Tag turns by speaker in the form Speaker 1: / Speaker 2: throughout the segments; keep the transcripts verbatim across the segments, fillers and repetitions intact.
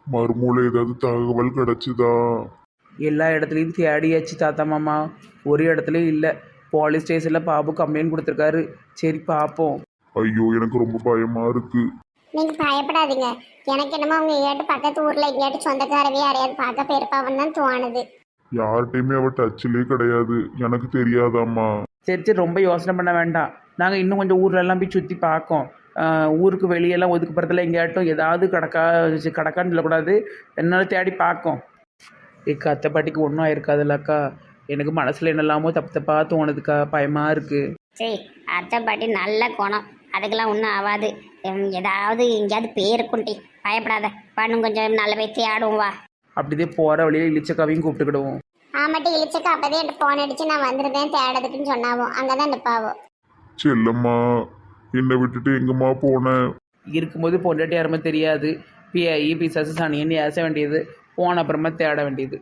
Speaker 1: மறுமூல ஏதாவது தகவல் கிடைச்சுதா?
Speaker 2: எல்லா இடத்துலையும் தேடியாச்சு தாத்தா மாமா, ஒரு இடத்துலையும் இல்லை. போலீஸ் ஸ்டேஷனில் பாபு கம்ப்ளைண்ட் கொடுத்துருக்காரு. சரி பார்ப்போம்.
Speaker 1: ஐயோ, எனக்கு ரொம்ப பயமா இருக்கு.
Speaker 3: நீங்க பயப்படாதீங்க. எனக்கு என்னமோ அவங்க எங்கேயாட்டு பக்கத்து ஊர்ல எங்கேயாட்டு சொந்தக்காரவே யாரையாவது பார்க்க போயிருப்பாவன்னு தான் தோணுது.
Speaker 1: யார்கிட்டயுமே அவ டச்சிலே கிடையாது. எனக்கு தெரியாதாம்மா.
Speaker 2: சரி சரி, ரொம்ப யோசனை பண்ண வேண்டாம். நாங்கள் இன்னும் கொஞ்சம் ஊர்லெல்லாம் போய் சுற்றி பார்க்கோம். ஆஹ், ஊருக்கு வெளியெல்லாம் ஒதுக்குப்புறத்தில் எங்கேயாட்டும் ஏதாவது கடக்கா கடக்கான்னு சொல்லக்கூடாது. என்னால் தேடி பார்க்கோம். ஏக்கா அத்தை பாட்டிக்கு ஒன்றும் ஆயிருக்காதுல்லக்கா. எனக்கு மனசில் என்னெல்லாமோ தப்பு தப்பாக தோணுதுக்கா, பயமாக இருக்குது.
Speaker 3: சரி, அத்தை பாட்டி நல்ல குணம், அதுக்கெல்லாம் ஒன்றும் ஆகாது. உம், ஏதாவது எங்கேயாவது பேருக்குண்டி பயப்படாத. பண்ணும் கொஞ்சம் நல்ல வைத்து ஆடுவோம் வா.
Speaker 2: அப்படிதே போகிற வழியில் இளிச்சக்காவையும் கூப்பிட்டுக்கிடுவோம்.
Speaker 3: ஆமாட்டி இழிச்சக்கா அப்பதே என்கிட்ட போன் அடிச்சு நான் வந்துருந்தேன் தேடதுக்குன்னு சொன்னாவோ, அங்கதான் நிப்பாவோ.
Speaker 1: செல்லம்மா, என்னை விட்டுட்டு எங்கம்மா போன?
Speaker 2: இருக்கும்போது பொண்டாட்டி யாருமே தெரியாது. பிஐ பிசாசு சனியன்னு ஏச வேண்டியது, போன அப்புறமா தேட வேண்டியது.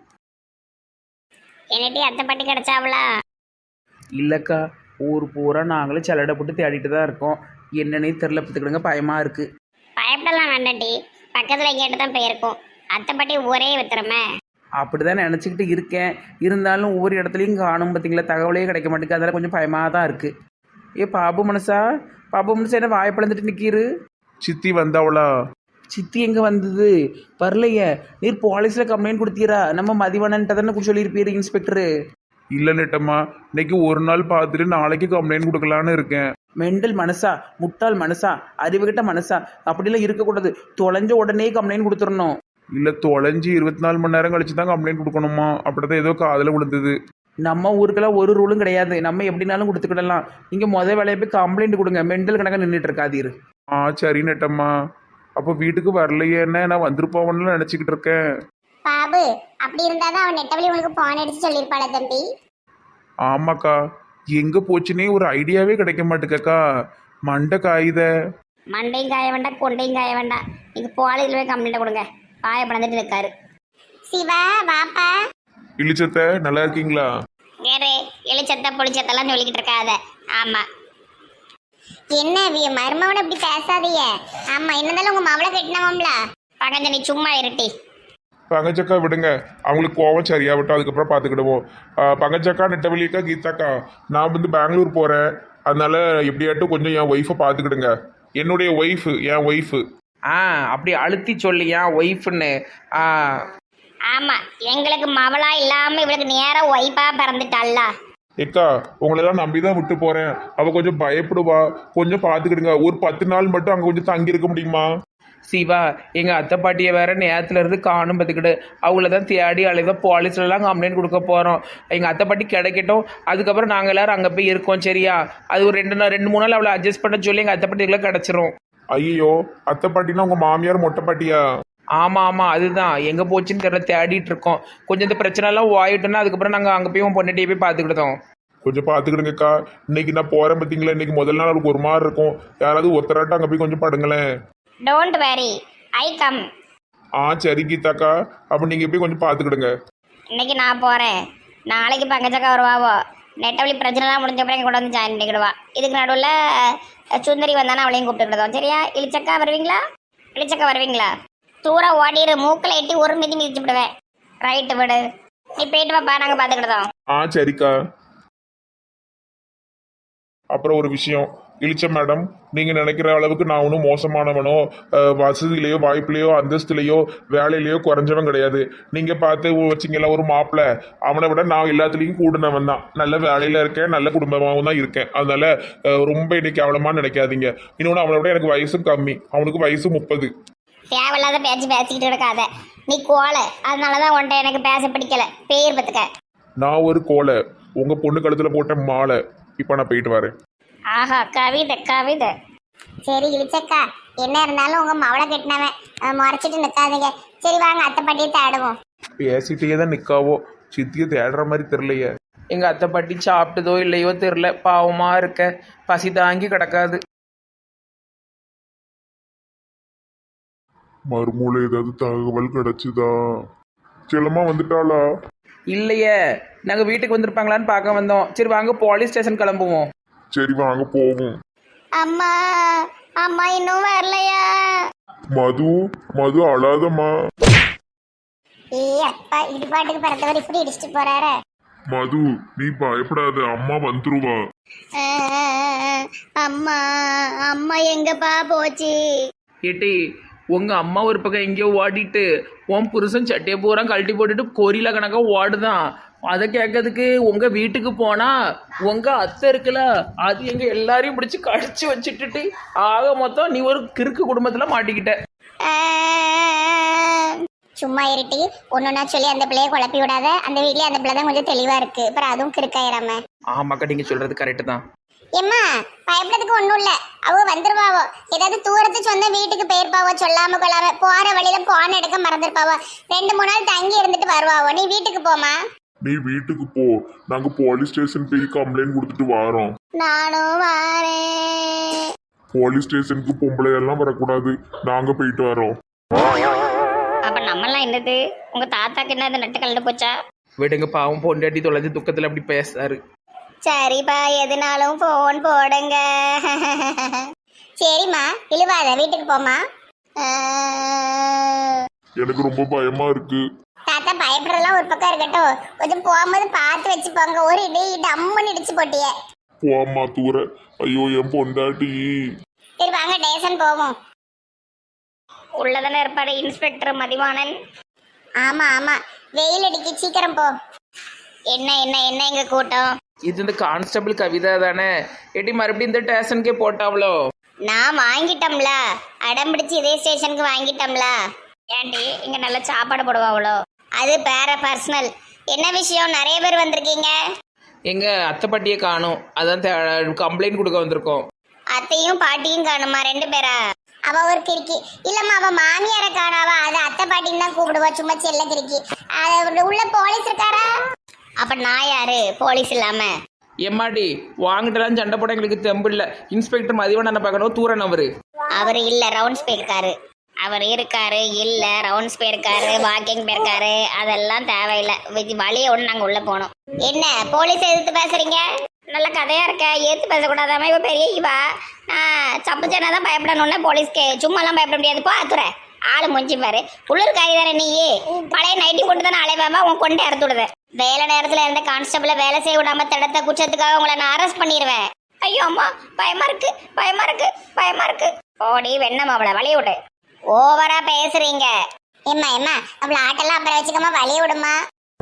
Speaker 3: என்னட்டி அத்தை பாட்டி கிடைச்சாவளா?
Speaker 2: இல்லைக்கா, ஊர் பூரா நாங்களும் செலடை போட்டு தேடிட்டு தான் இருக்கோம். என்னன்னே தெரில, பார்த்துக்கிடுங்க, பயமாக இருக்குது.
Speaker 3: பயப்படலாம் வேண்டாட்டி, பக்கத்துல எங்கேயாட்டு தான் போயிருக்கோம். அத்தை பாட்டி ஒரே வித்துறமே.
Speaker 2: அப்படி தான் நினச்சிக்கிட்டு இருக்கேன். இருந்தாலும் ஒவ்வொரு இடத்துலையும் காணும் பார்த்தீங்களா, தகவலே கிடைக்க மாட்டேங்குது. அதெல்லாம் கொஞ்சம் பயமாக தான் இருக்குது. ஏ பாபு மனசா, பாபு மனசா என்ன வாய்ப்பிழந்துட்டு நிற்கிறு?
Speaker 4: சித்தி வந்தவளா?
Speaker 2: சித்தி எங்கே வந்தது? வரலையே. நீர் போலீஸில் கம்ப்ளைண்ட் கொடுத்தீரா? நம்ம மதிவானன்ட்ட தானே சொல்லியிருப்பீரு இன்ஸ்பெக்டரு.
Speaker 4: இல்லை நெட்டம்மா, இன்னைக்கு ஒரு நாள் பார்த்துட்டு நாளைக்கு கம்ப்ளைண்ட் கொடுக்கலான்னு இருக்கேன்.
Speaker 2: மெண்டல் மனசா, முட்டாள் மனசா, அறிவுகிட்ட மனசா, அப்படிலாம் இருக்கக்கூடாது. தொலைஞ்ச உடனே கம்ப்ளைண்ட் கொடுத்துடணும்.
Speaker 4: இல்லை, தொலைஞ்சி இருபத்தி நாலு மணி நேரம் கழிச்சு தான் கம்ப்ளைண்ட் கொடுக்கணுமா? அப்படிதான் ஏதோ காதில் விழுந்தது.
Speaker 2: நம்ம ஊருக்கெல்லாம் ஒரு ரூலும் கிடையாது. நம்ம எப்படினாலும் கொடுத்துக்கிடலாம். நீங்கள் முதல் வேலையை போய் கம்ப்ளைண்ட் கொடுங்க. மெண்டல் கணக்காக நின்றுட்டு இருக்காதீரு.
Speaker 4: ஆ சரி நெட்டம்மா. அப்போ வீட்டுக்கு வரலையேன்னு நான் வந்துருப்போம்னு நினச்சிக்கிட்டு இருக்கேன்.
Speaker 3: பாபு, அப்படி இருந்தாதான் அவன் நெட்டவழி உனக்கு போன் அடிச்சு சொல்லியிருப்பாள தம்பி.
Speaker 4: ஆமாக்கா, எங்கே போச்சுன்னே ஒரு ஐடியாவே கிடைக்க மாட்டேக்கா. மண்டை காயுத.
Speaker 3: மண்டையும் காய வேண்டாம், கொண்டையும் காய வேண்டாம். நீங்க போலீஸ்ல போய் கம்ப்ளைண்ட் கொடுங்க. பாய பணந்துட்டு இருக்காரு. சிவா வாப்பா.
Speaker 4: இழிச்சத்த நல்லா இருக்கீங்களா?
Speaker 3: வேறு எலிச்சத்த புளிச்சத்தெல்லாம் சொல்லிக்கிட்டு இருக்காத. ஆமா, என்ன மருமவனை இப்படி பேசாதீங்க. ஆமா, என்னதாலும் உங்க மவளை கட்டினவம்ல. பகஞ்ச நீ சும்மா இருட்டி.
Speaker 4: பங்கச்சக்கா விடுங்க, அவங்களுக்கு கோவம் சரியாகட்டும், அதுக்கப்புறம் பார்த்துக்கிடுவோம். பங்கச்சக்கா, நெட்டவெளியக்கா, கீதாக்கா, நான் வந்து பெங்களூர் போகிறேன். அதனால எப்படியாட்டும் கொஞ்சம் என் ஒய்ஃபை பார்த்துக்கிடுங்க. என்னுடைய ஒய்ஃபு, என் ஒய்ஃபு.
Speaker 2: ஆ, அப்படி அழுத்தி சொல்லியா ஒய்ஃப்னு? ஆ,
Speaker 3: ஆமா, எங்களுக்கு மவளா இல்லாம இவளுக்கு நேரா ஒய்ஃபா பிறந்துட்டாள்ல.
Speaker 4: ஏக்கா, உங்களெல்லாம் நம்பி தான் விட்டு போகிறேன். அவள் கொஞ்சம் பயப்படுவா, கொஞ்சம் பார்த்துக்கிடுங்க. ஒரு பத்து நாள் மட்டும் அங்கே கொஞ்சம் தங்கி இருக்க முடியுமா?
Speaker 2: சிவா, எங்கள் அத்தை பாட்டியை வேற நேரத்துல இருந்து காணும் பார்த்துக்கிட்டு அவங்கள தான் தேடி அழைத போலீஸ்லலாம் கம்ப்ளைண்ட் கொடுக்க போகிறோம். எங்கள் அத்தை பாட்டி கிடைக்கட்டும், அதுக்கப்புறம் நாங்கள் எல்லாரும் அங்கே போய் இருக்கோம். சரியா? அது ஒரு ரெண்டு நாள் ரெண்டு மூணு நாள் அவளை அட்ஜஸ்ட் பண்ண சொல்லி எங்கள் அத்தை பாட்டிக்குள்ளே கிடச்சிரும்.
Speaker 4: ஐயோ, அத்தை பாட்டினா உங்கள் மாமியார் மொட்டை பாட்டியா?
Speaker 2: ஆமாம் ஆமாம், அதுதான். எங்கே போச்சுன்னு தெரியல, தேடிட்டு இருக்கோம். கொஞ்சம் இந்த பிரச்சனைலாம் ஓயிட்டோன்னா அதுக்கப்புறம் நாங்கள் அங்கே போய் உன் பொண்ணுகிட்டே போய் பார்த்துக்கிட்டோம்.
Speaker 4: கொஞ்சம் பார்த்துக்கிடுங்கக்கா. இன்னைக்கு நான் போகிறேன் பார்த்தீங்களா, இன்னைக்கு முதல் நாள் அவளுக்கு ஒரு மாதிரி இருக்கும். யாராவது ஒருத்தராட்டம் அங்கே போய் கொஞ்சம் படுங்களேன்.
Speaker 3: Don't worry, I come.
Speaker 4: ஆ சரி கீதாக்கா, அப்போ நீங்கள் போய் கொஞ்சம் பார்த்துக்கிடுங்க.
Speaker 3: இன்னைக்கு நான் போறேன், நாளைக்கு பங்கச்சக்கா வருவாவோ. நெட்டவழி பிரச்சனைலாம் முடிஞ்ச அப்புறம் கூட வந்து ஜாயின் பண்ணிக்கிடுவா. இதுக்கு நடுவில் சுந்தரி வந்தானா அவளையும் கூப்பிட்டுக்கிடுதோம். சரியா? இளிச்சக்கா வருவீங்களா? இளிச்சக்கா வருவீங்களா? தூரம் ஓடிடு, மூக்கில் எட்டி ஒரு மிதி மிதிச்சு விடுவேன். ரைட்டு விடு, நீ போயிட்டு வாப்பா, நாங்கள் பார்த்துக்கிடுதோம்.
Speaker 4: ஆ சரிக்கா. அப்புறம் ஒரு விஷயம், இளிச்ச மேடம், நீங்கள் நினைக்கிற அளவுக்கு நான் ஒன்றும் மோசமானவனோ வசதியிலையோ வாய்ப்புலையோ அந்தஸ்துலையோ வேலையிலையோ குறைஞ்சவன் கிடையாது. நீங்கள் பார்த்து வச்சிங்களா ஒரு மாப்பிள்ளை, அவனை விட நான் எல்லாத்துலேயும் கூடுனவன் தான். நல்ல வேலையில் இருக்கேன், நல்ல குடும்பமாகவும் தான் இருக்கேன். அதனால ரொம்ப இன்னைக்கு அவலமாக நினைக்காதீங்க. இன்னொன்று, அவனை விட எனக்கு வயசும் கம்மி, அவனுக்கு வயசு முப்பது.
Speaker 3: தேவையில்லாத பேச்சு பேசிக்கிட்டு இருக்காத, நீ கோலை. அதனாலதான் உன்ட்ட எனக்கு பேச பிடிக்கல. பேர் பத்துக்க.
Speaker 4: நான் ஒரு கோலை, உங்கள் பொண்ணு கழுத்தில் போட்ட மாலை. இப்போ நான் போயிட்டு வரேன்.
Speaker 3: ஆஹா, கவிதை கவிதை. சரி இளிச்சக்கா, என்ன இருந்தாலும் உங்க மவளை கட்டினவன், முறைச்சிட்டு நிற்காதீங்க. சரி வாங்க, அத்தை பாட்டியை தேடுவோம்.
Speaker 4: பேசிட்டே தான் நிற்காவோ, சித்தியை தேடுற மாதிரி தெரியலையே.
Speaker 2: எங்கள் அத்தை பாட்டி சாப்பிட்டதோ இல்லையோ தெரில, பாவமாக இருக்க, பசி தாங்கி கிடக்காது.
Speaker 1: மறுமூல ஏதாவது தகவல் கிடைச்சுதா? செல்லம்மா வந்துட்டாளா?
Speaker 2: இல்லையே, நாங்கள் வீட்டுக்கு வந்திருப்பாங்களான்னு பார்க்க வந்தோம். சரி வாங்க, போலீஸ் ஸ்டேஷன் கிளம்புவோம்.
Speaker 1: சரி வாங்க போவோம்.
Speaker 3: அம்மா, அம்மா இன்னும் வரலையா?
Speaker 1: மது மது அழாதம்மா.
Speaker 3: ஏய் அப்பா இடுபாட்டுக்கு பிறந்தவர் இப்படி இடிச்சிட்டு போறாரு.
Speaker 1: மது நீ பயப்படாத, அம்மா வந்துருவா.
Speaker 3: அம்மா அம்மா எங்கப்பா போச்சு?
Speaker 2: ஏட்டி உங்கள் அம்மா ஒரு பக்கம் எங்கேயோ ஓடிட்டு உன் புருஷன் சட்டையை பூரா கழட்டி போட்டுட்டு கொரியில கணக்காக ஓடுதான். அதை கேட்கறதுக்கு உங்கள் வீட்டுக்கு போனால் உங்கள் அத்தை இருக்குல்ல, அது எங்கள் எல்லாரையும் பிடிச்சி கடிச்சு வச்சுட்டுட்டு ஆக மொத்தம் நீ ஒரு கிறுக்கு குடும்பத்தில் மாட்டிக்கிட்ட.
Speaker 3: சும்மா இருட்டி ஒன்றுனா சொல்லி அந்த பிள்ளைய குழப்பி விடாத. அந்த வீட்லயே அந்த பிள்ளை தான் கொஞ்சம் தெளிவா இருக்கு, அப்புறம் அதுவும் கிறுக்காயிராம.
Speaker 2: ஆமாக்கா நீங்கள் சொல்கிறது கரெக்டு தான்.
Speaker 3: ஏம்மா பயப்படுறதுக்கு ஒன்றும் இல்லை, அவங்க வந்துருவாவோ. ஏதாவது தூரத்து சொந்த வீட்டுக்கு போயிருப்பாவோ, சொல்லாம கொள்ளாம போற வழியில போன எடுக்க மறந்துருப்பாவோ. ரெண்டு மூணு நாள் தங்கி இருந்துட்டு வருவாவோ. நீ வீட்டுக்கு போமா.
Speaker 1: நீ வீட்டுக்கு போ, நாங்க போலீஸ் ஸ்டேஷன் போய் கம்ப்ளைண்ட் கொடுத்துட்டு வாரோம்.
Speaker 3: நானும் வாரேன்.
Speaker 1: போலீஸ் ஸ்டேஷனுக்கு பொம்பளை எல்லாம் வரக்கூடாது, நாங்க போயிட்டு வரோம்.
Speaker 3: அப்ப நம்மலாம் என்னது, உங்க தாத்தாக்கு என்ன அது நட்டு கலந்து போச்சா?
Speaker 2: விடுங்க பாவம், பொண்டாட்டி தொலைஞ்சு துக்கத்தில் அப்படி பேசுறாரு.
Speaker 3: சரிப்பா எதுனாலும் போன் போடுங்க. சரிம்மா இழுவாத, வீட்டுக்கு போமா.
Speaker 1: எனக்கு ரொம்ப பயமா இருக்கு.
Speaker 3: தாத்தா பயப்படுறதெல்லாம் ஒரு பக்கம் இருக்கட்டும், கொஞ்சம் போகும்போது பார்த்து வச்சு போங்க. ஒரு இடி டம்முன்னு இடிச்சு போட்டிய.
Speaker 1: போம்மா தூர. ஐயோ என் பொண்டாட்டி.
Speaker 3: சரி வாங்க டேஷன் போவோம். உள்ளதானே இருப்பாரு இன்ஸ்பெக்டர் மதிவாணன். ஆமா ஆமா, வெயில் அடிக்க சீக்கிரம் போ. என்ன என்ன என்ன எங்க கூட்டம்?
Speaker 2: இது இந்த கான்ஸ்டபிள் கவிதா தானே? ஏட்டி மறுபடியும் இந்த ஸ்டேஷனுக்கே போட்டாவளோ?
Speaker 3: நான் வாங்கிட்டோம்ல, அடம் பிடிச்சி இதே ஸ்டேஷனுக்கு வாங்கிட்டோம்ல. ஏண்டி இங்க நல்ல சாப்பாடு போடுவாங்களோ? அது பேர பர்சனல். என்ன விஷயம், நிறைய பேர் வந்திருக்கீங்க?
Speaker 2: எங்கள் அத்தை பாட்டியை காணும், அதான் கம்ப்ளைண்ட் கொடுக்க வந்திருக்கோம்.
Speaker 3: அத்தையும் பாட்டியும் காணுமா? ரெண்டு பேரா? அவ ஒரு கிறுக்கி. இல்லம்மா அவ மாமியார காணாவா, அது அத்தை பாட்டின்னு தான் கூப்பிடுவா, சும்மா செல்ல கிறுக்கி. அது உள்ள போலீஸ் இருக்காரா? அப்ப நான் யாரு போலீஸ் இல்லாம?
Speaker 2: எம்மாடி வாங்கிட்டலாம் சண்டை போட எங்களுக்கு தெம்பு இல்லை. இன்ஸ்பெக்டர் மதிவண்ணனை பார்க்கணும், தூரன் அவரு.
Speaker 3: அவரு இல்ல, ரவுண்ட்ஸ் போயிருக்காரு. அவர் இருக்காரு இல்ல, ரவுண்ட்ஸ் போயிருக்காரு, வாக்கிங் போயிருக்காரு, அதெல்லாம் தேவையில்லை. வழிய ஒன்று நாங்க உள்ள போனோம். என்ன போலீஸ் எதிர்த்து பேசுறீங்க? நல்ல கதையா இருக்க, ஏத்து பேசக்கூடாதாம. இவ பெரிய இவா சப்புச்சேனா தான் பயப்படணும்னா போலீஸ்க்கு சும்மாலாம் பயப்பட முடியாது. போ அத்துற ஆளு முடிஞ்சு பாரு. உள்ளூர் காய் தானே நீயே, பழைய நைட்டி போட்டு தானே அலைவாம உன் கொண்டு இறத்து விடுத. வேலை நேரத்துல இருந்த கான்ஸ்டபிள வேலை செய்ய விடாம தடுத்த குற்றத்துக்காக உங்களை நான் அரெஸ்ட் பண்ணிடுவேன். ஐயோ அம்மா பயமா இருக்கு, பயமா இருக்கு, பயமா இருக்கு. ஓடி வெண்ணம் அவளை வழிய விடு. ஓவரா பேசுறீங்க. ஏம்மா ஏம்மா அவளை ஆட்டெல்லாம் அப்புறம் வச்சுக்கமா, வழிய விடுமா.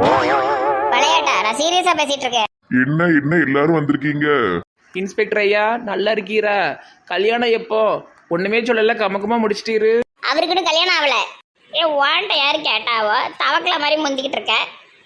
Speaker 3: விளையாட்டா? நான் சீரியஸா பேசிட்டு இருக்கேன்.
Speaker 1: என்ன என்ன எல்லாரும் வந்திருக்கீங்க?
Speaker 2: இன்ஸ்பெக்டர் ஐயா நல்லா இருக்கீரா? கல்யாணம் எப்போ? ஒண்ணுமே சொல்லல, கமக்கமா முடிச்சிட்டீரு.
Speaker 3: அவருக்குன்னு கல்யாணம் ஆகல. ஏ வாண்ட யாரு கேட்டாவோ, தவக்கல மாதிரி முந்திக்கிட்டு இருக்க.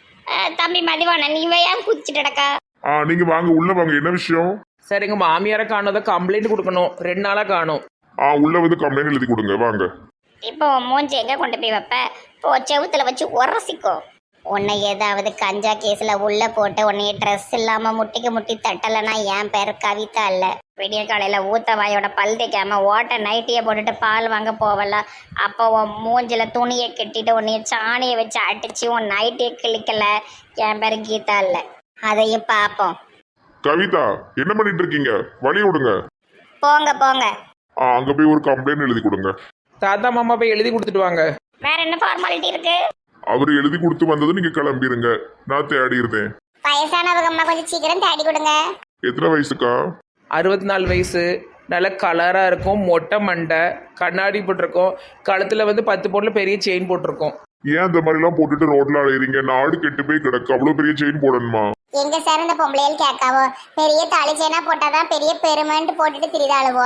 Speaker 3: தம்பி மதிவானன் இவ ஏன் குதிச்சுட்டு கிடக்கா?
Speaker 1: ஆ நீங்க வாங்க, உள்ள வாங்க. என்ன விஷயம்?
Speaker 2: சார் எங்க மாமியாரை காணோத கம்ப்ளைண்ட் கொடுக்கணும், ரெண்டு நாளா காணும்.
Speaker 1: ஆ உள்ள வந்து கம்ப்ளைண்ட் எழுதி கொடுங்க வாங்க.
Speaker 3: இப்போ மூஞ்சி எங்க கொண்டு போய் வைப்ப? போ செவுத்துல வச்சு உரசிக்கோ. உன்னை ஏதாவது கஞ்சா கேஸ்ல உள்ள போட்டு உன்னைய ட்ரெஸ் இல்லாம முட்டிக்கு முட்டி தட்டலைன்னா என் பேர் கவிதா இல்ல. விடிய காலையில ஊத்த வாயோட பல் தேய்க்காம ஓட்ட நைட்டிய போட்டுட்டு பால் வாங்க போவல, அப்போ உன் மூஞ்சில துணியை கட்டிட்டு உன்னைய சாணியை வச்சு அடிச்சு உன் நைட்டிய கிளிக்கல, என் பேர் கீதா இல்ல. அதையும் பார்ப்போம்.
Speaker 1: கவிதா என்ன பண்ணிட்டு இருக்கீங்க? வழி விடுங்க.
Speaker 3: போங்க போங்க.
Speaker 1: ஆ அங்க போய் ஒரு கம்ப்ளைண்ட் எழுதி கொடுங்க.
Speaker 2: தாத்தா மாமா போய் எழுதி கொடுத்துட்டு வாங்க.
Speaker 3: வேற என்ன ஃபார்மாலிட்டி இருக்கு?
Speaker 1: அவர் எழுதி கொடுத்து வந்ததும் நீங்க கிளம்பிருங்க, நான் தேடி இருந்தேன்.
Speaker 3: வயசானவங்க அம்மா கொஞ்சம் சீக்கிரம் தேடி கொடுங்க.
Speaker 1: எத்தனை வயசுக்கா?
Speaker 2: அறுபத்தி நாலு வயசு, நல்ல கலராக இருக்கும், மொட்டை மண்டை, கண்ணாடி போட்டிருக்கோம், கழுத்தில் வந்து பத்து பொருள் பெரிய செயின் போட்டிருக்கோம்.
Speaker 1: ஏன் இந்த மாதிரி எல்லாம் போட்டுட்டு ரோட்ல அலையறீங்க? நாடு கெட்டு போய் கிடக்கு, அவ்வளவு பெரிய செயின் போடணுமா?
Speaker 3: எங்க சார் இந்த பொம்பளையில் கேட்காவோ, பெரிய தாலி செயினா போட்டாதான் பெரிய பெருமைன்ட்டு போட்டுட்டு திரிதாளுவோ.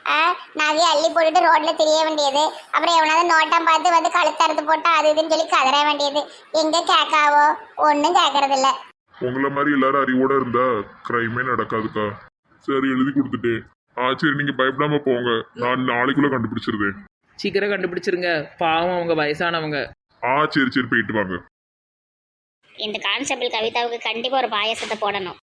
Speaker 3: நகையை அள்ளி போட்டுட்டு ரோட்ல தெரிய வேண்டியது, அப்புறம் எவனாவது நோட்டம் பார்த்து வந்து கழுத்தறுத்து போட்டா அது இதுன்னு சொல்லி கதற வேண்டியது. எங்க கேட்காவோ, ஒன்னும் கேட்கறது இல்ல.
Speaker 1: உங்களை மாதிரி எல்லாரும் அறிவோட இருந்தா கிரைமே நடக்காதுக்கா. சரி எழுதி கொடுத்துட்டேன். ஆ சரி நீங்க பயப்படாம போங்க, நான் நாளைக்குள்ள கண்டுபிடிச்சிருந்தேன்.
Speaker 2: சீக்கிரம் கண்டுபிடிச்சிருங்க, பாவம் அவங்க வயசானவங்க.
Speaker 1: ஆ சரி சரி போயிட்டு வாங்க.
Speaker 3: இந்த கான்ஸ்டபிள் கவிதாவுக்கு கண்டிப்பா ஒரு பாயசத்தை போடணும்.